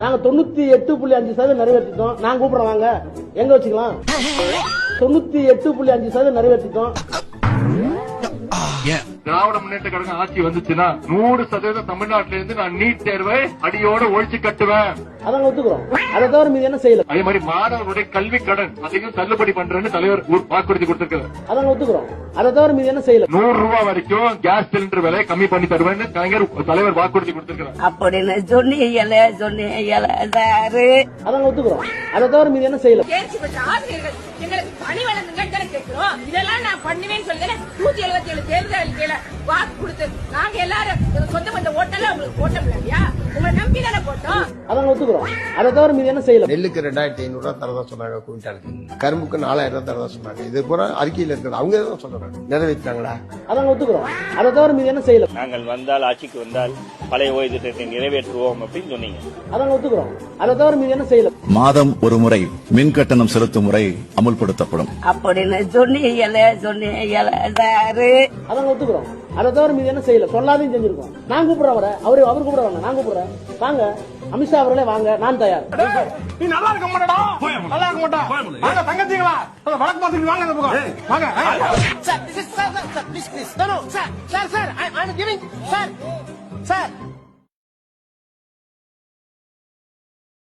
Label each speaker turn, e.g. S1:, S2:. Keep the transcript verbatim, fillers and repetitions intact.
S1: நாங்க தொண்ணூத்தி எட்டு புள்ளி அஞ்சு சதவீதம் நிறைவேற்றிட்டோம். நான் கூப்பிடுறேன் வாங்க, எங்க வச்சுக்கலாம். தொண்ணூத்தி எட்டு புள்ளி அஞ்சு சதவீதம் நிறைவேற்றிட்டோம்.
S2: திராவிட முன்னேற்ற கழகம் ஆட்சி வந்துச்சுன்னா நூறு சதவீதம் தமிழ்நாட்டில இருந்து நான் நீட் தேர்வை அடியோட ஒழிச்சு கட்டுவேன்.
S1: அதான் ஒத்துக்கிறோம். அதை தவிர மீது என்ன செய்யல.
S2: அதே மாதிரி மாணவர்களுடைய கல்வி கடன் அதையும் தள்ளுபடி பண்றேன்னு தலைவர் வாக்குறுதி கொடுத்திருக்காரு.
S1: அதான் ஒத்துக்கிறோம். அதை தவிர மீது என்ன செய்யல.
S2: நூறு ரூபாய் வரைக்கும் கேஸ் சிலிண்டர் விலை கம்மி பண்ணி தருவேன்னு கலைஞர் தலைவர் வாக்குறுதி கொடுத்திருக்காரு.
S3: அப்படின்னு சொன்னீங்களே சொன்னீங்களே சாரு.
S1: அதான் ஒத்துக்கிறோம். அதை தவிர மீது என்ன செய்யல.
S4: ஆசிரியர்கள் எங்களுக்கு பணி வழங்குங்க கேட்கிறோம். இதெல்லாம் நான் பண்ணுவேன்னு சொல்லுங்க. நூத்தி எழுபத்தி ஏழு தேர்தல் அறிக்கையில வாக்கு கொடுத்து நாங்க எல்லாரும் சொந்த பந்த ஓட்டல உங்களுக்கு போட்டோம் இல்லையா, உங்களை நம்பி தானே போட்டோம்.
S1: அதான் ஒத்துக்கிறோம். அதை தவிர மீது என்ன செய்யல.
S5: நெல்லுக்கு ரெண்டாயிரத்தி ஐநூறு ரூபாய் தரதா சொன்னாங்க குவிண்டாலுக்கு, கரும்புக்கு நாலாயிரம் ரூபாய் தரதா சொன்னாங்க. இது பூரா அறிக்கையில் இருக்கிறது. அவங்க தான் சொல்றாங்க, நிறைவேற்றாங்களா?
S1: அதான் ஒத்துக்கிறோம். அதை தவிர மீது என்ன செய்யல.
S6: நாங்கள் வந்தால் ஆட்சிக்கு வந்தால் பழைய ஓய்வு திட்டத்தை நிறைவேற்றுவோம் அப்படின்னு சொன்னீங்க.
S1: அதான் ஒத்துக்கிறோம். அதை தவிர மீது என்ன செய்யல.
S7: மாதம் ஒரு முறை மின் கட்டணம் செலுத்தும் முறை அமுல்படுத்தப்படும்.
S3: அப்படின்னு சொன்னீங்களே சொன்னீங்களே சாரு.
S1: அதான் ஒத்துக்கிறோம். அதை தவிர மீது என்ன செய்யல. சொல்லாதையும் செஞ்சிருக்கோம். நான் கூப்பிடுறேன் அவரை, அவரு அவர் கூப்பிட வேணாம், நான் கூப்பிடுறேன். வாங்க அமித்ஷா அவர்களே வாங்க, நான் தயார்.
S2: நீ நல்லா இருக்க மாட்டா, நல்லா இருக்க மாட்டா. வாங்க தங்கச்சிங்களா, வழக்கு பார்த்துட்டு வாங்க அந்த பக்கம் வாங்க.
S8: Sir, this is sir, sir, sir, please, please. No, no, sir, sir, sir, I, I'm giving, sir, sir.